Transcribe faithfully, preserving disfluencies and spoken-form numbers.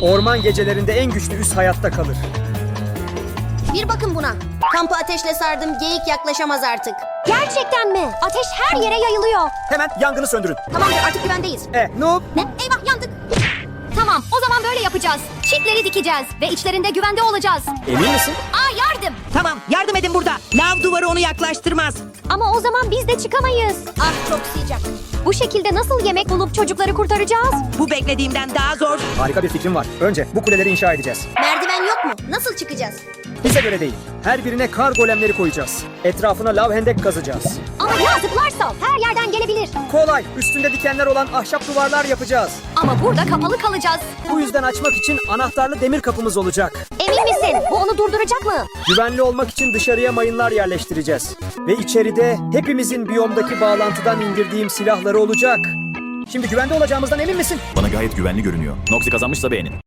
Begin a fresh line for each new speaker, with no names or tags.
Orman gecelerinde en güçlü üs hayatta kalır.
Bir bakın buna. Kampı ateşle sardım. Geyik yaklaşamaz artık.
Gerçekten mi? Ateş her yere yayılıyor.
Hemen yangını söndürün.
Tamamdır, artık güvendeyiz.
E, noob.
Ne? Eyvah, yandık.
Tamam, o zaman böyle yapacağız. Çitleri dikeceğiz ve içlerinde güvende olacağız.
Emin misin?
Aa, yardım.
Tamam, yardım edin burada. Lav duvarı onu yaklaştırmaz.
Ama o zaman biz de çıkamayız.
Ah, çok sıcak.
Bu şekilde nasıl yemek bulup çocukları kurtaracağız?
Bu beklediğimden daha zor.
Harika bir fikrim var. Önce bu kuleleri inşa edeceğiz.
Merdiven yok mu? Nasıl çıkacağız?
Bize göre değil. Her birine kar golemleri koyacağız. Etrafına lav hendek kazacağız.
Ama ya zıplarsa her yerden gelebilir.
Kolay. Üstünde dikenler olan ahşap duvarlar yapacağız.
Ama burada kapalı kalacağız.
Bu yüzden açmak için anahtarlı demir kapımız olacak.
Emin misin? Bu onu durduracak mı?
Güvenli olmak için dışarıya mayınlar yerleştireceğiz. Ve içeride hepimizin biyomdaki bağlantıdan indirdiğim silahları olacak. Şimdi güvende olacağımızdan emin misin?
Bana gayet güvenli görünüyor. Noxy kazanmışsa beğenin.